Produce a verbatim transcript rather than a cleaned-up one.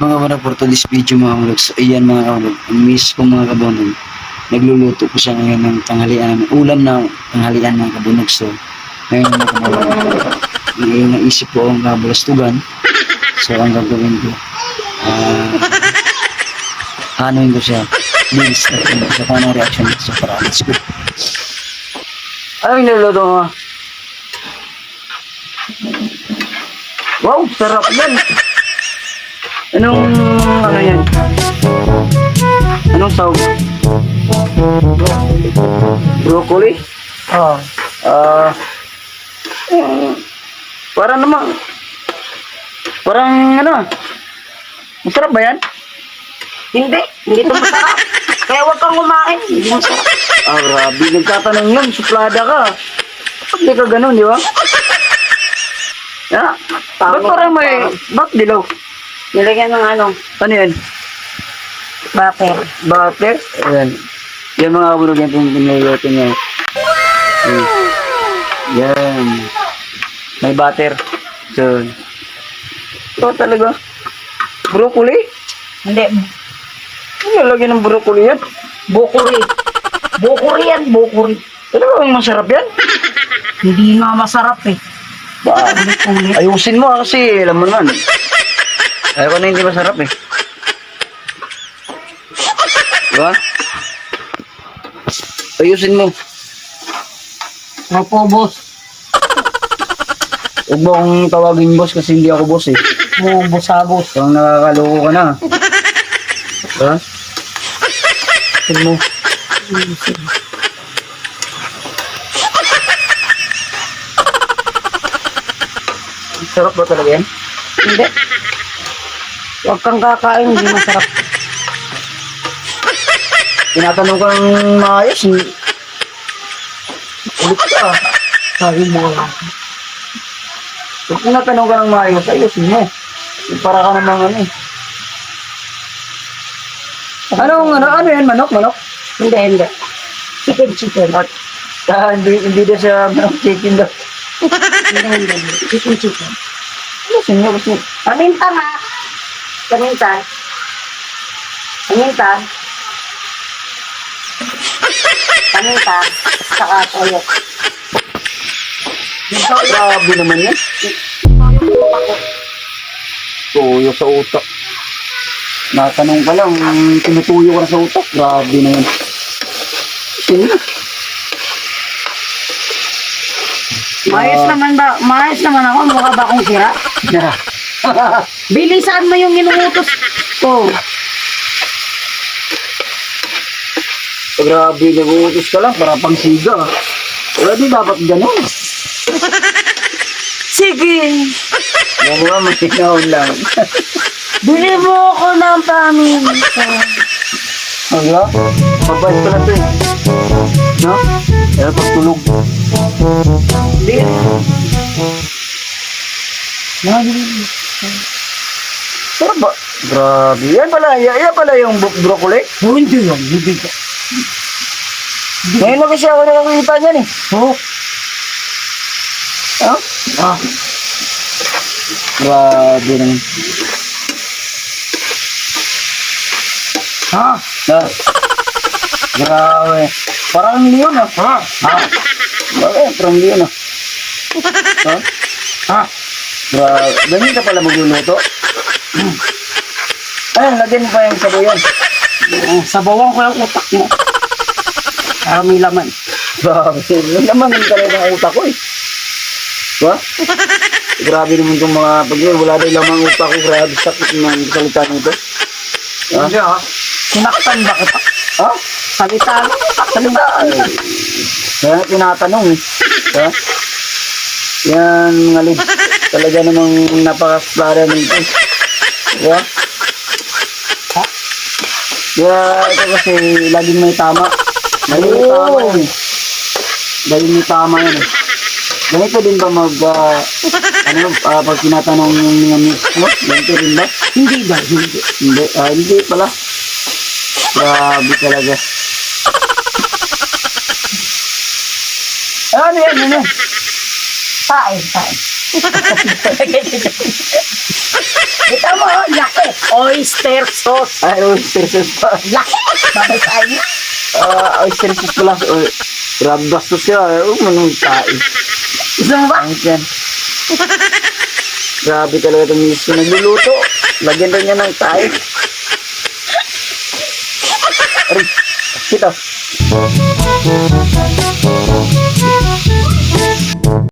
Mga kabonag, for today's video mga kabonag. So ayan mga kabonag, ang miss ko mga kabonag. Nagluluto ko siya ngayon ng tanghalian, ulam na tanghalian mga kabonag. So ngayon mga kabonag, ngayon naisip ko ang kabulastugan. So ang gagawin ko, ah, hanuin ko siya. Bilis na rin ko siya kung anong reaction nito sa paraan. Let's go. Ano yung niluluto mo? Wow, sarap yan! Anong, ano yan? Anong sahog? Broccoli? Oo. Ah, uh, parang naman, parang ano, masarap ba yan? Hindi. Hindi ito masarap. Kaya huwag kang kumain. Hindi masarap. Ah, grabe, nagtatanong yun, suplada ka. Ba't di ka ganun, di ba? Ya, ba't parang may, ba't dilaw? Nilagyan ng ano, Ano yan? butter. Butter? Ayan. Yan mga kabulog yan, pinililuto niya. Ayan. Yan. May butter. So, ito talaga. Broccoli? Hindi. Ano lagyan ng broccoli yan? Bukuri. Bukuri yan, bukuri. Talaga ang masarap yan? Hindi nga masarap eh. Ba, Ulit-ulit. ayusin mo ah, kasi alam mo naman. Ayaw ko na hindi masarap eh. Diba? Ayusin mo. Opo, boss. Huwag mo akong tawagin boss kasi hindi ako boss eh. Mo, boss-abos. Parang nakakaloko ka na. Diba? Ayusin mo. Sarap ba talaga yan? Hindi. Huwag kang kakain, hindi masarap. Tinatanong ko ng maayos. Ulit ka. Sabi mo lang. Pag tinatanong ka ng maayos, ayusin mo. Para ka namang ano eh. Anong ano? Ano yan? Manok? Manok? Hindi, hindi. Chicken, chicken. At ah, hindi, hindi na siya manok chicken daw. Hindi, hindi. Chicken, chicken. Ayusin mo kasi. Paminta nga. Paminta. Paminta. Paminta. Saka toyo. Grabe naman yan. Tuyo sa utak. Natanong ka lang, tinutuyo ka na sa utak. Grabe na yan. Sige. Maayos naman ba? Maayos naman ako. Mukha ba akong sira? Yeah. Bilisan mo yung inuutos ko. Grabe, nag-uutos ka lang para pang siga. Wala di dapat ganun. Sige. Yan mo nga, masinahon lang. Bili mo ako ng paminta. Wala? Mabait pa na to eh. No? Pero pagtulog. Hindi. Sarap ba? Grabe. Yan pala, yan, yan pala yung bro- broccoli. Oh, hindi yan. Hindi ka. Ngayon na kasi ako nakakita niyan eh. Oh. Ha? Ah. Grabe naman. Ha? Ah. Grabe. Parang leon ah. Ha? Ha? Bakit? Parang leon ah. Ha? Ha? Grabe. Ganyan ka pala magluluto? Ayun, lagyan mo pa yung sabuyan. Oh, sabawan ko yung utak mo. Para may laman. Grabe. Yung naman yung talaga ng utak ko eh. Diba? Grabe naman itong mga pag wala daw lamang utak ko. Grabe sakit ng salita nito. Ha? Hindi ah. Sinaktan ba kita? Ha? Salita. Salita. Kaya tinatanong eh. Ha? Yan mga lid. Talaga namang napaka-splara nito. Diba? Ha? Kaya ito kasi laging may tama. Laging may tama yan eh. Laging may tama yan eh. Ganito din ba mag, uh, ano, uh, pag tinatanong yung mga miss mo? Ganito din ba? Hindi ba? Hindi. Hindi, ah, hindi pala. Grabe talaga. Ano yan, ano yan? Pain, pain. Kita mo, oh, laki. Oyster sauce. Ay, oyster sauce pa. Laki. Babasahin mo. Ah, oyster sauce pala. Oh, grabe bastos siya. Oh, manong tayo. Gusto mo ba? Ang yan. Grabe talaga itong miss ko nagluluto. Lagyan daw niya ng tayo. Aray, kita.